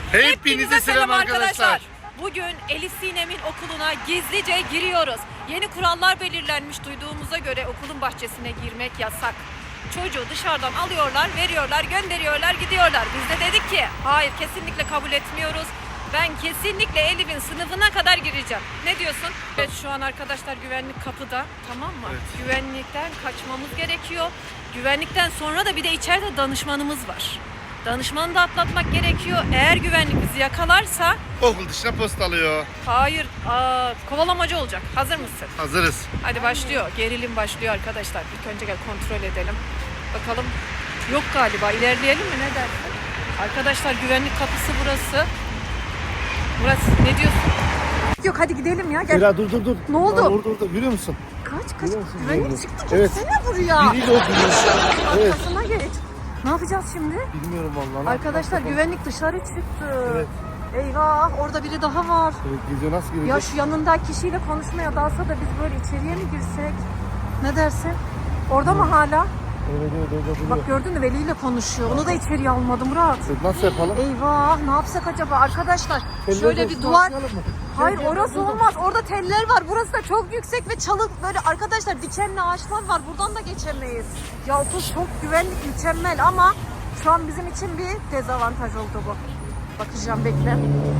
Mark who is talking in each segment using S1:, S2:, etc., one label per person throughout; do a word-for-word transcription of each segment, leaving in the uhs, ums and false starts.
S1: Hepinize selam arkadaşlar.
S2: Bugün Elif Sinem'in okuluna gizlice giriyoruz. Yeni kurallar belirlenmiş, duyduğumuza göre okulun bahçesine girmek yasak. Çocuğu dışarıdan alıyorlar, veriyorlar, gönderiyorlar, gidiyorlar. Biz de dedik ki hayır, kesinlikle kabul etmiyoruz. Ben kesinlikle Elif'in sınıfına kadar gireceğim. Ne diyorsun? Evet, şu an arkadaşlar güvenlik kapıda, tamam mı?
S1: Evet.
S2: Güvenlikten kaçmamız gerekiyor. Güvenlikten sonra da bir de içeride danışmanımız var. Danışmanı da atlatmak gerekiyor. Eğer güvenlik bizi yakalarsa...
S1: Okul dışına postalıyor.
S2: Hayır, aa, kovalamacı olacak. Hazır mısın?
S1: Hazırız.
S2: Hadi başlıyor. Gerilim başlıyor arkadaşlar. İlk önce gel kontrol edelim. Bakalım. Yok galiba. İlerleyelim mi? Ne dersin? Arkadaşlar güvenlik kapısı burası. Murat ne diyorsun? Yok hadi gidelim ya. Gel.
S1: Zehra dur dur dur.
S2: Ne oldu?
S1: Aa, orada orada görüyor musun?
S2: Kaç kaç.
S1: Görüyor musun?
S2: Güvenlik
S1: Görüyorum.
S2: çıktı.
S1: Evet.
S2: Gelsene buraya.
S1: Biriyle oturuyor. Evet.
S2: Arkasına geç. Ne yapacağız şimdi?
S1: Bilmiyorum vallahi. Ne
S2: Arkadaşlar
S1: yapalım?
S2: güvenlik dışarı çıktı.
S1: Evet.
S2: Eyvah, orada biri daha var.
S1: Evet, geziyor, nasıl girecek?
S2: Ya şu yanındaki kişiyle konuşmaya dalsa da biz böyle içeriye mi girsek? Ne dersin? Orada mı hala?
S1: Evet evet orada duruyor.
S2: Bak gördün mü, Veli ile konuşuyor. Onu da içeriye almadı Murat.
S1: Evet, nasıl yapalım?
S2: Eyvah, ne yapsak acaba arkadaşlar?
S1: Teller
S2: Şöyle bir
S1: olsun,
S2: duvar.
S1: atlayalım mı?
S2: Hayır,
S1: Gel, gel,
S2: orası
S1: gel, gel.
S2: olmaz. Orada teller var. Burası da çok yüksek ve çalık böyle arkadaşlar, dikenli ağaçlar var. Buradan da geçemeyiz. Ya okul çok güvenlik, mükemmel ama şu an bizim için bir dezavantaj oldu bu. Bakacağım, bekle.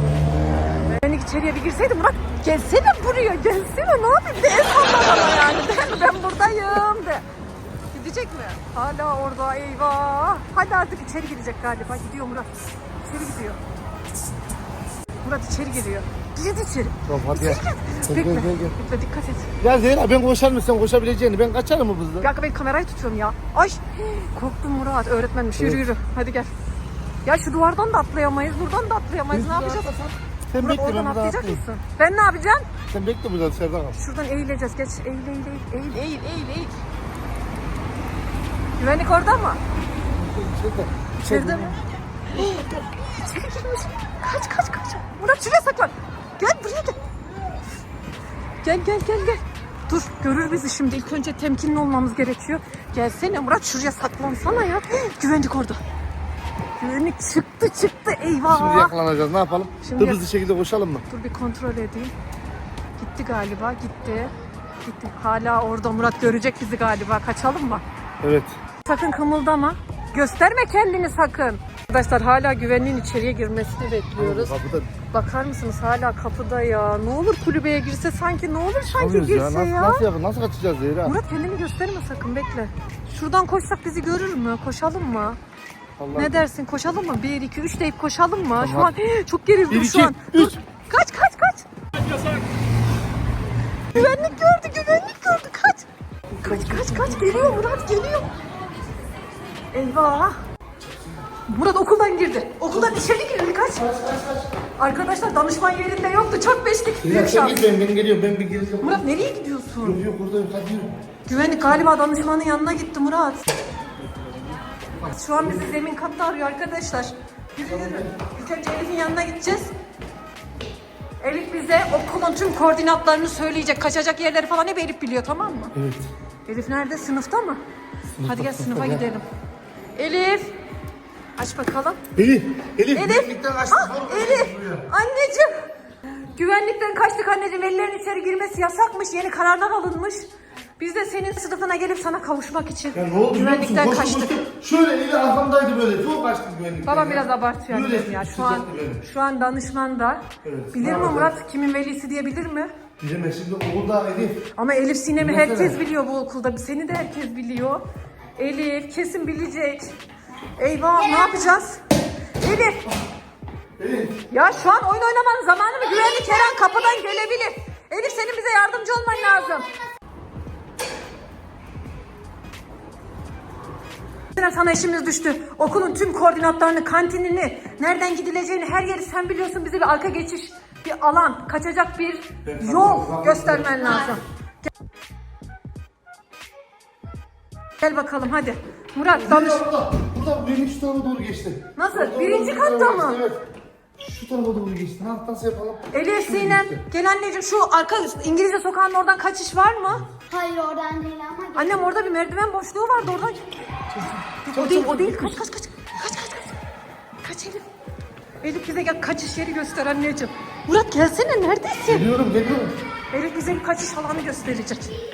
S2: Ben içeriye bir girseydim Murat, gelsene buraya, gelsene, ne yapayım de, el salla bana yani, de, ben buradayım de. Gidecek mi? Hala orada, eyvah. Hadi artık içeri girecek galiba. Gidiyor Murat. İçeri gidiyor. Murat içeri giriyor. Girdi içeri.
S1: Tamam hadi
S2: İçeri
S1: gel.
S2: gir.
S1: Gel,
S2: Bekle.
S1: gel, gel, gel.
S2: Bekle, dikkat et.
S1: Ya Zehra ben koşar mısın? Koşabileceğini. Ben kaçarım mı
S2: Bir
S1: hızlı?
S2: dakika, ben kamerayı tutuyorum ya. Ay korktum Murat, öğretmenmiş. Yürü
S1: Evet.
S2: yürü. Hadi gel. Ya şu duvardan da atlayamayız, buradan da atlayamayız. Ne yapacağız?
S1: Sen
S2: Murat
S1: bekle ben
S2: oradan
S1: burada
S2: atlayacak
S1: atlayayım.
S2: mısın? Ben ne yapacağım?
S1: Sen bekle burada dışarıda kal.
S2: Şuradan eğileceğiz. Geç. Eğil, eğil, eğil, eğil, eğil, eğil, eğil. Güvenlik orada mı?
S1: İçeride.
S2: İçeride mi? İçeri girmiş. Kaç, kaç, kaç. Murat şuraya saklan. Gel buraya gel. Gel, gel, gel, gel. Dur, görür bizi şimdi. İlk önce temkinli olmamız gerekiyor. Gelsene Murat, şuraya saklansana ya. Güvenlik orada. Güvenlik çıktı, çıktı. Eyvah.
S1: Şimdi yakalanacağız. Ne yapalım?
S2: Şimdi
S1: Hızlı şekilde koşalım mı?
S2: Dur bir kontrol edeyim. Gitti galiba, gitti. Gitti. Hala orada, Murat görecek bizi galiba. Kaçalım mı?
S1: Evet.
S2: Sakın kımıldama. Gösterme kendini sakın. Arkadaşlar hala güvenliğin içeriye girmesini bekliyoruz.
S1: Kapıda
S2: Bakar mısınız, hala kapıda ya. Ne olur kulübeye girse sanki, ne olur sanki
S1: çıkamıyoruz
S2: girse
S1: ya. Nasıl,
S2: ya.
S1: nasıl yapalım? Nasıl kaçacağız Zehra?
S2: Murat kendini gösterme sakın, bekle. Şuradan koşsak bizi görür mü? Koşalım mı?
S1: Allah.
S2: Ne dersin, koşalım mı? bir, iki, üç deyip koşalım mı?
S1: Tamam.
S2: Şu an çok gerildim
S1: Bir,
S2: şu
S1: iki,
S2: an.
S1: üç.
S2: Dur. Kaç kaç kaç. Güvenlik gördü, güvenlik gördü. Kaç. Kaç kaç kaç. Geliyor Murat, geliyor. Eyvah. Murat okuldan girdi. Okuldan içeri girdi. Kaç. Arkadaşlar danışman yerinde yoktu. Çok beşlik.
S1: Zehra
S2: Büyük
S1: sen
S2: şans.
S1: git, ben, ben geliyorum. Ben bir gireceğim.
S2: Murat nereye gidiyorsun?
S1: Yok yok buradayım. Hadi yürü.
S2: Güvenlik galiba danışmanın yanına gitti Murat. Şu an bizi zemin katta arıyor arkadaşlar. Yürü yürü. İlk önce Elif'in yanına gideceğiz. Elif bize okulun tüm koordinatlarını söyleyecek. Kaçacak yerleri falan hep Elif biliyor, tamam mı?
S1: Evet.
S2: Elif nerede? Sınıfta mı?
S1: Sınıfta,
S2: Hadi gel
S1: sınıfta,
S2: sınıfa
S1: gel.
S2: gidelim. Elif. Aç bakalım.
S1: Elif. Elif.
S2: Elif.
S1: Güvenlikten kaçtık.
S2: Ah,
S1: Oğlum,
S2: Elif.
S1: buraya.
S2: Anneciğim. Güvenlikten kaçtık anneciğim. Velilerin içeri girmesi yasakmış. Yeni kararlar alınmış. Biz de senin sınıfına gelip sana kavuşmak için
S1: Ya ne oldu biliyor musun?
S2: güvenlikten
S1: Koştu,
S2: kaçtık.
S1: koştu. Şöyle eli arkamdaydı böyle. Çok kaçtı güvenlikten.
S2: Babam
S1: ya.
S2: biraz abartıyor
S1: Böyle
S2: anneciğim ya. Şu an
S1: sıcaktı benim.
S2: şu an danışman da.
S1: Evet,
S2: Bilir
S1: ne
S2: mi
S1: yapacağız?
S2: Murat kimin velisi diye, bilir mi?
S1: Bilemez şimdi okulda Elif.
S2: Ama Elif Sinem'i
S1: Bilmesene.
S2: herkes biliyor bu okulda. Seni de herkes biliyor. Elif kesin bilecek. Eyvah, ne yapacağız? Elif.
S1: Elif.
S2: Ya şu an oyun oynamanın zamanı mı? Güvenlik her an kapıdan gelebilir. Elif senin bize yardımcı olman lazım. Sana işimiz düştü. Okulun tüm koordinatlarını, kantinini, nereden gidileceğini, her yeri sen biliyorsun. Bize bir arka geçiş, bir alan, kaçacak bir yol göstermen lazım. Gel, Gel bakalım hadi. Murat danış.
S1: Burada, burada birinci tarafa doğru geçti.
S2: Nasıl?
S1: Orada,
S2: Birinci
S1: orada,
S2: katta
S1: orada
S2: mı?
S1: geçti, Evet. Şu tarafa doğru geçti. Ha, nasıl yapalım?
S2: Elif
S1: Şöyle
S2: Sinem,
S1: geçti.
S2: gel anneciğim, şu arka İngilizce sokağının oradan kaçış var mı?
S3: Hayır oradan değil ama gel.
S2: Annem orada bir merdiven boşluğu vardı, oradan. O değil, o değil. Kaç kaç kaç. Kaç kaç kaç. Kaç Elif. Elif bize gel kaçış yeri göster anneciğim. Murat gelsene neredesin?
S1: Geliyorum geliyorum.
S2: Elif bize bir kaçış alanı gösterecek.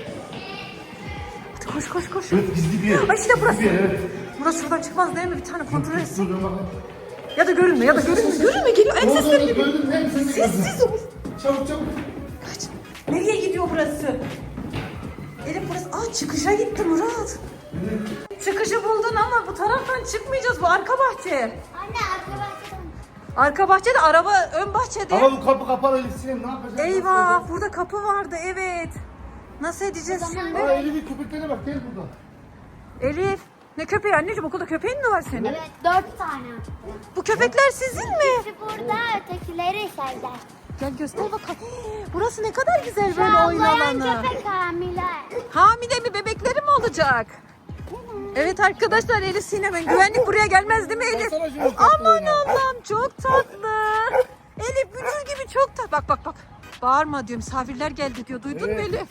S2: Hadi koş koş koş.
S1: Evet gizli bir yer.
S2: Ay işte burası.
S1: Gizli bir yer, evet.
S2: Murat şuradan çıkmaz değil mi? Bir tane kontrol etsin.
S1: Dur dur bakalım.
S2: Ya da görünme ya da görünme. Görünme geliyor. En
S1: Ne oldu
S2: sesleri
S1: oğlum,
S2: geliyor.
S1: gördün mü? Hem seni gördüm.
S2: Sessiz ol.
S1: Çabuk çabuk.
S2: Kaç. Nereye gidiyor burası? Elif burası. Aa çıkışa gitti Murat. Çıkışı buldun ama bu taraftan çıkmayacağız. Bu arka bahçe.
S3: Anne arkadaşlar.
S2: Arka bahçede araba ön bahçede.
S1: Ama bu kapı kapalı Elif Sinem ne yapacağız?
S2: Eyvah burada kapı vardı evet. Nasıl edeceğiz şimdi?
S1: Aa Elif'in köpeklerine bak gel burada.
S2: Elif ne köpeği anneciğim okulda köpeğin mi var senin?
S3: Evet dört tane.
S2: Bu köpekler sizin mi?
S3: Birisi burada ötekileri içeride.
S2: Gel göster bakalım. Burası ne kadar güzel
S3: Şu
S2: böyle oyun
S3: ağlayan
S2: alanı.
S3: köpek hamile.
S2: Hamile mi bebekleri mi olacak? Evet arkadaşlar Elif Sinem'in güvenlik buraya gelmez değil mi Elif?
S1: Baksana şuna tatlı
S2: Aman
S1: oyuna.
S2: Allah'ım çok tatlı. Elif bücür gibi çok tatlı. Bak bak bak. Bağırma diyor misafirler geldi diyor. Duydun mu
S1: Evet.
S2: Elif?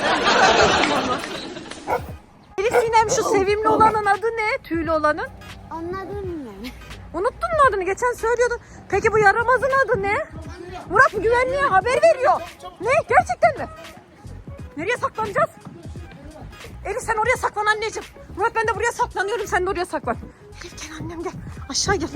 S2: Elif Sinem şu sevimli olanın adı ne? Tüylü olanın.
S3: Anladın mı?
S2: Unuttun mu adını? Geçen söylüyordun. Peki bu yaramazın adı ne? Murat bu güvenliğe haber veriyor. Ne? Gerçekten mi? Nereye saklanacağız? Elif sen oraya saklan anneciğim. Murat ben de buraya saklanıyorum. Sen de oraya saklan. Elif gel annem gel. Aşağı gel.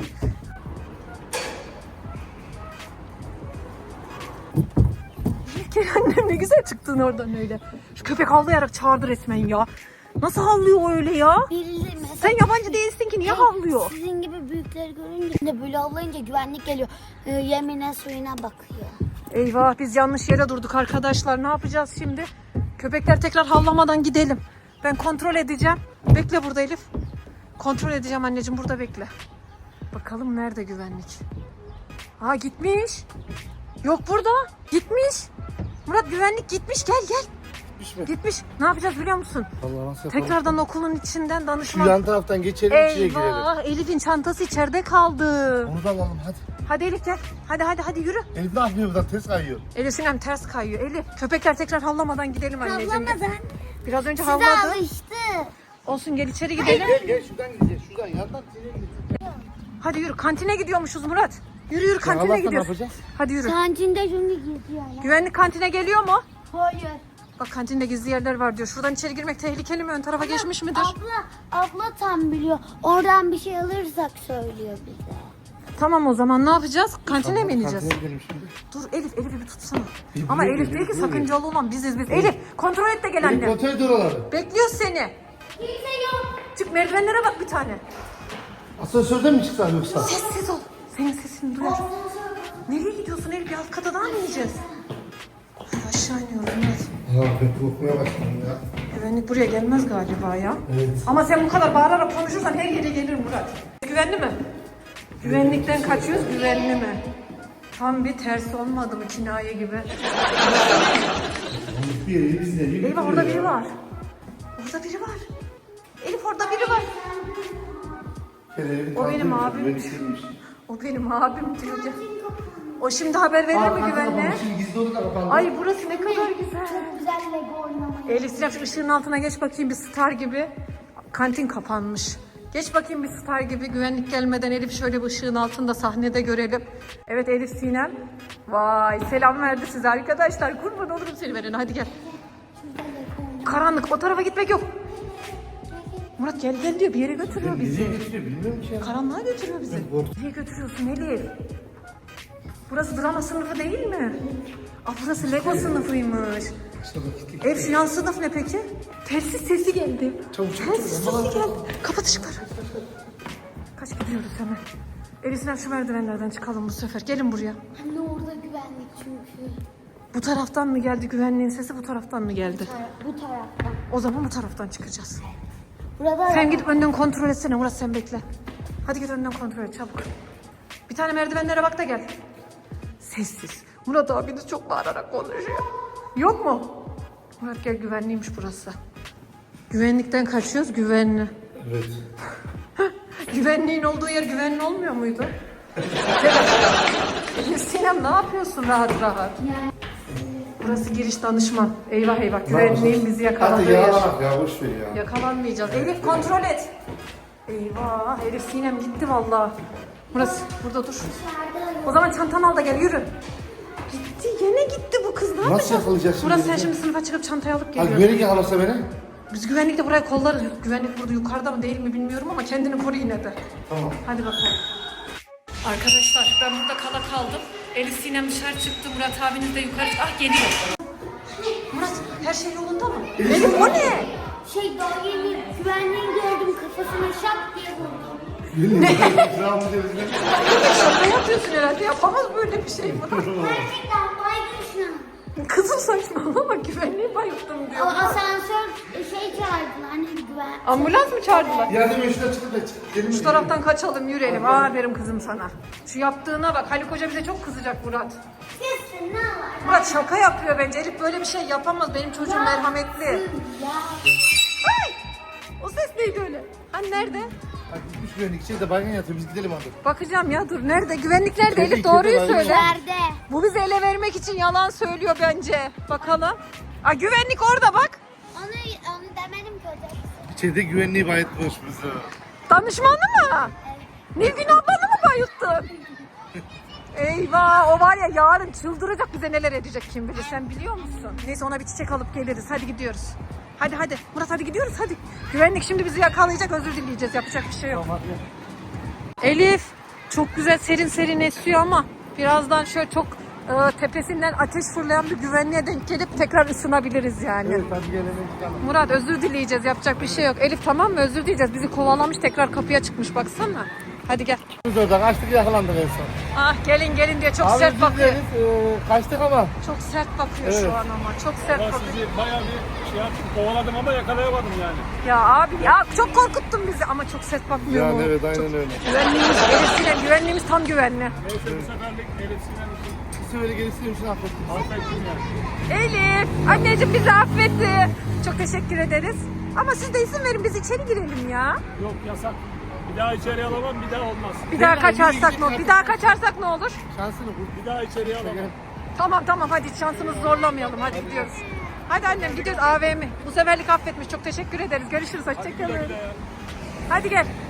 S2: Elif gel annem ne güzel çıktın oradan öyle. Şu köpek havlayarak çağırdı resmen ya. Nasıl havlıyor öyle ya?
S3: Biri mesela
S2: Sen yabancı değilsin ki niye havlıyor?
S3: sizin gibi büyükleri görünce de böyle avlayınca güvenlik geliyor. Ee, yemine suyuna bakıyor.
S2: Eyvah biz yanlış yere durduk arkadaşlar. Ne yapacağız şimdi? Köpekler tekrar havlamadan gidelim. Ben kontrol edeceğim. Bekle burada Elif. Kontrol edeceğim anneciğim burada bekle. Bakalım nerede güvenlik? Aa gitmiş. Yok burada. Gitmiş. Murat güvenlik gitmiş gel gel.
S1: Gitmiş mi?
S2: Gitmiş. Ne yapacağız biliyor musun?
S1: Allah nasıl yapalım?
S2: Tekrardan okulun içinden
S1: Şu
S2: danışman.
S1: yan taraftan geçelim içine girelim.
S2: Eyvah Elif'in çantası içeride kaldı.
S1: Onu da alalım hadi.
S2: Hadi Elif gel. Hadi hadi hadi yürü.
S1: Elif ne yapıyor buradan ters kayıyor.
S2: Elif Sinem ters kayıyor. Elif köpekler tekrar havlamadan gidelim anneciğim.
S3: Havlamadan.
S2: Biraz önce
S3: Size
S2: havladı.
S3: alıştı.
S2: Olsun gel içeri gidelim.
S1: Gel gel şuradan gideceğiz. Şuradan yandan içine gideceğiz.
S2: Hadi yürü kantine gidiyormuşuz Murat. Yürü yürü kantine
S1: Allah'tan
S2: gidiyoruz.
S1: ne yapacağız?
S2: Hadi yürü.
S3: Kancinde çünkü geziyor ya.
S2: Güvenlik kantine geliyor mu?
S3: Hayır.
S2: Bak kantinde gizli yerler var diyor. Şuradan içeri girmek tehlikeli mi? Ön tarafa geçmiş midir?
S3: Abla, abla tam biliyor. Oradan bir şey alırsak söylüyor bize.
S2: Tamam o zaman ne yapacağız? Kantine mi ineceğiz?
S1: Kantine gidelim şimdi.
S2: Dur Elif, Elif'i bir tutsana.
S1: İyi,
S2: Ama
S1: buraya
S2: Elif
S1: gel,
S2: değil ki
S1: buraya gel.
S2: sakıncalı olan biziz biz. Elif kontrol et de gel
S1: Elif
S2: anne.
S1: kontrol et oraları.
S2: Bekliyoruz seni.
S3: Kimse yok.
S2: Çık merdivenlere bak bir tane.
S1: Asansörden mi çıksak yoksa?
S2: Sessiz ol. Senin sesini duyar. Nereye gidiyorsun Elif? Bir alt kata daha mı ineceğiz? Aşağı iniyoruz Murat.
S1: Ya ben korkmaya başladım ya.
S2: Güvenlik buraya gelmez galiba ya.
S1: Evet.
S2: Ama sen bu kadar bağırarak konuşursan her yere gelir Murat. Güvenli mi? Güvenlikten kaçıyoruz, güvenli mi? Tam bir ters olmadı mı kinaye gibi?
S1: Bir yeri biz nereye
S2: Eyvah orada biri var. Orada biri var. Elif orada biri var. O benim abim. O benim abim diyor ya. O şimdi haber verir mi güvenliğe?
S1: Şimdi gizli oda da kapandı.
S2: Ay burası ne kadar güzel.
S3: Güzel Lego oynamayı.
S2: Elif Sinem şu ışığın altına geç bakayım bir star gibi. Kantin kapanmış. Geç bakayım bir star gibi güvenlik gelmeden Elif şöyle bir ışığın altında sahnede görelim. Evet Elif Sinem. Vay selam verdi size arkadaşlar. Kurban olurum seni verene hadi gel. Karanlık o tarafa gitmek yok. Murat gel gel diyor bir yere götürüyor bizi.
S1: Nereye götürüyor bilmiyorum ki ya.
S2: Karanlığa götürüyor bizi.
S1: korktum.
S2: Nereye götürüyorsun Elif? Burası drama sınıfı değil mi? Aa burası Lego sınıfıymış. Ev şu yan sınıf ne peki? Telsiz sesi geldi.
S1: Çabuk, çabuk,
S2: Telsiz
S1: çabuk.
S2: sesi geldi. Kapat ışıkları. Kaç gidiyoruz hemen. Elif Sinem şu merdivenlerden çıkalım bu sefer. Gelin buraya.
S3: Anne orada güvenlik çünkü.
S2: Bu taraftan mı geldi güvenliğin sesi bu taraftan mı geldi?
S3: Bu taraftan.
S2: O zaman bu taraftan çıkacağız.
S3: Burada
S2: Sen gidip önden kontrol etsene Murat sen bekle. Hadi git önden kontrol et çabuk. Bir tane merdivenlere bak da gel. Sessiz. Murat abiniz çok bağırarak konuşuyor. Yok mu? Murat gel güvenliymiş burası. Güvenlikten kaçıyoruz güvenli.
S1: Evet.
S2: Güvenliğin olduğu yer güvenli olmuyor muydu? Elif Sinem ne yapıyorsun rahat rahat? Burası giriş danışman. Eyvah eyvah güvenliğin bizi yakaladığı
S1: Hadi
S2: yer.
S1: yalana ya boş ver ya.
S2: Yakalanmayacağız. Elif kontrol et. Eyvah Elif Sinem gitti vallahi. Murat burada dur. O zaman çantanı al da gel yürü. Gitti yine gitti bu kız. Ne
S1: Nasıl
S2: yapacağız?
S1: yakalayacağız şimdi
S2: Murat sen
S1: bizi?
S2: şimdi sınıfa çıkıp çantayı alıp
S1: Ha
S2: geliyorsun.
S1: güvenlik yakalasa beni.
S2: Biz güvenlik de buraya kollarız. Güvenlik burada yukarıda mı değil mi bilmiyorum ama kendini koru yine de.
S1: Tamam.
S2: Hadi bakalım. Arkadaşlar ben burada kala kaldım. Elif Sinem dışarı çıktı. Murat abiniz de yukarı. Ah geliyor. Murat her şey yolunda mı? Elif o ne?
S3: Şey daha yeni güvenliği gördüm kafasına şak diye vurdum.
S1: Ne? Bravo cevizine.
S2: Şaka yapıyorsun herhalde. Yapamaz böyle bir şey Murat.
S3: Gerçekten baygın şu an.
S2: Kızım saçmalama güvenliği bayılttım
S3: O
S2: diyor.
S3: asansör şey çağırdılar hani güven.
S2: Ambulans mı çağırdılar?
S1: Yardım et şuradan çıkıp da çık. Gelin mi?
S2: Şu taraftan kaçalım yürüyelim. Aferin kızım sana. Şu yaptığına bak. Haluk Hoca bize çok kızacak Murat.
S3: Kesin ne var?
S2: Murat şaka yapıyor bence. Elif böyle bir şey yapamaz. Benim çocuğum merhametli.
S3: Ya.
S2: Ay! O ses neydi öyle? Hani nerede?
S1: Bak gitmiş güvenlik içeri de baygın yatıyor. Biz gidelim hadi.
S2: Bakacağım ya dur. Nerede? Güvenlik nerede?
S1: İçeride,
S2: Elif doğruyu
S1: içeride var.
S2: söyle.
S3: Nerede?
S2: Bu bizi ele vermek için yalan söylüyor bence. Bakalım. Aa güvenlik orada bak.
S3: Onu, onu demedim ki hocam.
S1: İçeride güvenliği bayıtmış bizi.
S2: Danışmanı mı? Nilgün ablanı mı bayılttın? Eyvah o var ya yarın çıldıracak bize neler edecek kim bilir sen biliyor musun? Neyse ona bir çiçek alıp geliriz hadi gidiyoruz. Hadi hadi Murat hadi gidiyoruz hadi. Güvenlik şimdi bizi yakalayacak özür dileyeceğiz yapacak bir şey yok.
S1: Tamam hadi.
S2: Elif çok güzel serin serin esiyor ama birazdan şöyle çok e, tepesinden ateş fırlayan bir güvenliğe denk gelip tekrar ısınabiliriz yani.
S1: Evet hadi gelelim çıkalım.
S2: Murat özür dileyeceğiz yapacak bir şey yok. Elif tamam mı özür dileyeceğiz bizi kovalamış tekrar kapıya çıkmış baksana. Hadi gel.
S1: Biz orada kaçtık yakalandık en son.
S2: Ah gelin gelin diye çok
S1: Abi
S2: sert
S1: biz
S2: bakıyor.
S1: deriz, e, kaçtık ama.
S2: Çok sert bakıyor
S1: Evet.
S2: şu an ama çok sert
S4: Ben
S2: bakıyor.
S4: sizi bayağı bir şey yaptım, kovaladım ama yakalayamadım yani.
S2: Ya abi ya çok korkuttun bizi ama çok sert bakmıyor
S1: Yani
S2: mu?
S1: evet aynen
S2: Çok-
S1: öyle.
S2: Güvenliğimiz Elif'sine güvenliğimiz tam güvenli.
S4: Neyse bu seferlik Elif Sinem için
S1: Bir sefer gelirsin için affettim.
S4: affettim yani.
S2: Elif anneciğim bizi affetti. Çok teşekkür ederiz. Ama siz de izin verin biz içeri girelim ya.
S4: Yok yasak. Bir daha içeri alamam, bir daha olmaz.
S2: Bir daha
S1: Gel,
S2: kaçarsak
S1: yürü,
S2: ne olur?
S1: git,
S2: Bir daha kaçarsak ne olur?
S1: Şansını bul.
S4: Bir daha içeri alamam.
S1: Gel.
S2: Tamam tamam hadi şansımızı zorlamayalım hadi gidiyoruz. Hadi annem gidiyoruz A V M. Bu seferlik affetmiş çok teşekkür ederiz. Görüşürüz hoşçakalın. Hadi gel.